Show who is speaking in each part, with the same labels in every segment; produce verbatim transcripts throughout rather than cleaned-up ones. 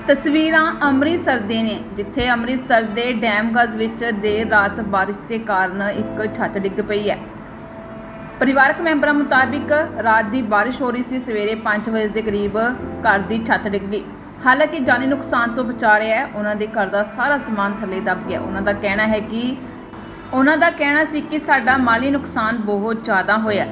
Speaker 1: ਤਸਵੀਰਾਂ ਅੰਮ੍ਰਿਤਸਰ ਦੇ ਨੇ, ਜਿੱਥੇ ਅੰਮ੍ਰਿਤਸਰ ਦੇ ਡੈਮਗੰਜ ਵਿੱਚ ਦੇਰ ਰਾਤ ਬਾਰਿਸ਼ ਦੇ ਕਾਰਨ ਇੱਕ ਛੱਤ ਡਿੱਗ ਪਈ ਹੈ। ਪਰਿਵਾਰਕ ਮੈਂਬਰਾਂ ਮੁਤਾਬਿਕ ਰਾਤ ਦੀ ਬਾਰਿਸ਼ ਹੋ ਰਹੀ ਸੀ। ਸਵੇਰੇ ਪੰਜ ਵਜੇ ਦੇ ਕਰੀਬ ਘਰ ਦੀ ਛੱਤ ਡਿੱਗ ਗਈ। ਹਾਲਾਂਕਿ ਜਾਨੀ ਨੁਕਸਾਨ ਤੋਂ ਬਚਾ ਰਿਹਾ ਹੈ। ਉਹਨਾਂ ਦੇ ਘਰ ਦਾ ਸਾਰਾ ਸਮਾਨ ਥੱਲੇ ਦਬ ਗਿਆ। ਉਹਨਾਂ ਦਾ ਕਹਿਣਾ ਹੈ ਕਿ ਉਹਨਾਂ ਦਾ ਕਹਿਣਾ ਸੀ ਕਿ ਸਾਡਾ ਮਾਲੀ ਨੁਕਸਾਨ ਬਹੁਤ ਜ਼ਿਆਦਾ ਹੋਇਆ।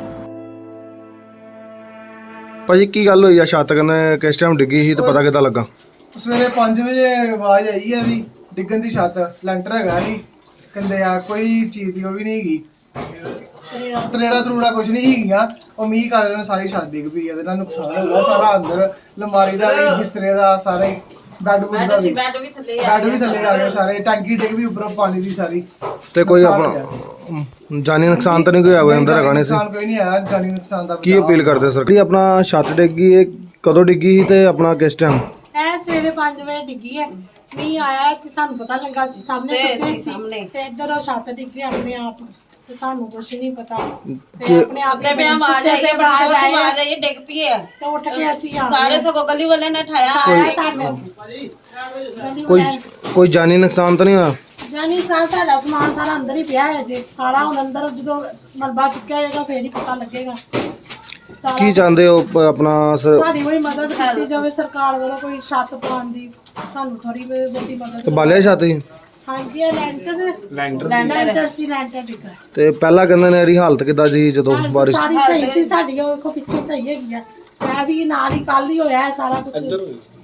Speaker 2: ਭਾਜੀ ਕੀ ਗੱਲ ਹੋਈ ਆ? ਛੱਤ ਕਨੇ ਕਿਸ ਟਾਈਮ ਡਿੱਗੀ ਸੀ ਤੇ ਪਤਾ ਕਿੱਦਾਂ ਲੱਗਾ?
Speaker 3: ਸਵੇਰੇ ਪੰਜ ਵਜੇ ਆਵਾਜ਼ ਆਈ ਹੈ ਦੀ ਡਿੱਗਣ ਦੀ। ਛੱਤ ਲੈਂਟਰ ਹੈਗਾ ਸੀ, ਕਹਿੰਦੇ ਆ ਕੋਈ ਚੀਜ਼ ਦੀ ਉਹ ਵੀ ਨਹੀਂ ਹੈਗੀ, ਤਰੇੜਾ ਤਰੂੜਾ ਕੁਝ ਨਹੀਂ ਹੈਗੀਆਂ। ਉਹ ਮੀਂਹ ਕਾਰਨ ਸਾਰੀ ਛੱਤ ਡਿੱਗ ਪਈ। ਇਹਦੇ ਨਾਲ ਨੁਕਸਾਨ ਹੋ ਗਿਆ ਸਾਰਾ, ਅੰਦਰ ਲਮਾਰੀ ਦਾ ਵੀ, ਬਿਸਤਰੇ ਦਾ, ਸਾਰੇ ਬੈੱਡ ਬੁੱਡ ਦਾ ਵੀ, ਬੈੱਡ ਵੀ ਥੱਲੇ ਆ ਗਏ ਸਾਰੇ। ਟੈਂਕੀ ਡਿੱਗ ਵੀ ਉੱਪਰੋਂ ਪਾਣੀ ਦੀ ਸਾਰੀ।
Speaker 2: ਤੇ ਕੋਈ ਆਪਣਾ ਜਾਨੀ ਨੁਕਸਾਨ ਤਾਂ ਨਹੀਂ ਕੋਈ ਹੋਇਆ? ਅੰਦਰ ਹੈਗਾ ਨਹੀਂ ਸੀ?
Speaker 3: ਨੁਕਸਾਨ ਕੋਈ ਨਹੀਂ ਆਇਆ ਜਾਨੀ ਨੁਕਸਾਨ ਦਾ।
Speaker 2: ਕੀ ਅਪੀਲ ਕਰਦੇ ਸਰ? ਕੀ ਆਪਣਾ ਛੱਤ ਡਿੱਗੀ ਇਹ ਕਦੋਂ ਡਿੱਗੀ ਸੀ ਤੇ ਆਪਣਾ ਕਿਸ ਟਾਈਮ?
Speaker 4: ਇਹ ਸਵੇਰੇ ਪੰਜ ਵਜੇ ਡਿੱਗੀ ਹੈ। ਮੀਂਹ ਆਇਆ ਤੇ ਸਾਨੂੰ ਪਤਾ ਲੱਗਾ ਸੀ ਸਾਹਮਣੇ ਸੁੱਤੇ ਸੀ ਤੇ ਇੱਧਰ ਉਹ ਛੱਤ ਡਿੱਗੀ ਆਪਣੇ ਆਪ ਤੇ ਸਾਨੂੰ ਕੁਝ ਨਹੀਂ ਪਤਾ ਤੇ ਆਪਣੇ ਆਪ
Speaker 5: ਤੇ ਪਿਆ ਆਵਾਜ਼ ਆਈ ਹੈ, ਬੜੀ ਜ਼ੋਰ ਦੀ ਆਵਾਜ਼ ਆਈ ਹੈ, ਡਿੱਗ ਪਈ ਹੈ
Speaker 4: ਤੇ ਉੱਠ ਕੇ ਅਸੀਂ ਆ
Speaker 5: ਸਾਰੇ ਸਗੋਂ ਗਲੀ ਵਾਲੇ ਨੇ ਠਾਇਆ
Speaker 4: ਸਾਨੂੰ
Speaker 2: ਕੋਈ ਕੋਈ ਜਾਨੀ ਨੁਕਸਾਨ ਤਾਂ ਨਹੀਂ ਹੋਇਆ?
Speaker 4: ਜਾਨੀ ਕਾ ਸਾਡਾ ਸਮਾਨ ਸਾਰਾ ਅੰਦਰ ਹੀ ਪਿਆ ਹੈ ਜੀ। ਸਾਰਾ ਹੁਣ ਅੰਦਰ ਜਦੋਂ ਮਲਬਾ ਚੁੱਕਿਆ ਜਾਏਗਾ ਫੇਰ ਹੀ ਪਤਾ ਲੱਗੇਗਾ।
Speaker 2: ਕੀ ਚਾਹੁੰਦੇ ਹੋ ਪ- ਆਪਣਾ ਸ-
Speaker 4: ਸਾਡੀ ਕੋਈ ਮਦਦ ਕੀਤੀ ਜਾਵੇ ਸਰਕਾਰ ਵੱਲੋਂ, ਕੋਈ ਛੱਤ ਪਾਉਣ ਦੀ ਸਾਨੂੰ ਥੋੜੀ ਬਹੁਤੀ ਮਦਦ।
Speaker 2: ਤੇ ਬਾਲਿਆ ਛੱਤ ਸੀ?
Speaker 4: ਹਾਂਜੀ ਇਹ ਲੈਂਟਰ ਲੈਂਟਰ ਸੀ, ਲੈਂਟਰ ਡਿੱਗਾ।
Speaker 2: ਤੇ ਪਹਿਲਾਂ ਕਹਿੰਦੇ ਨੇ ਇਹਦੀ ਹਾਲਤ ਕਿੱਦਾਂ ਸੀ ਜਦੋਂ ਬਾਰਿਸ਼?
Speaker 4: ਸਾਰੀ ਸਹੀ ਸੀ ਸਾਡੀ, ਉਹ ਵੇਖੋ ਪਿੱਛੇ ਸਹੀ ਹੈਗੀ ਆ। ਇਹ ਵੀ ਨਾਲ ਹੀ ਕੱਲ ਹੀ ਹੋਇਆ ਹੈ ਸਾਰਾ ਕੁਝ।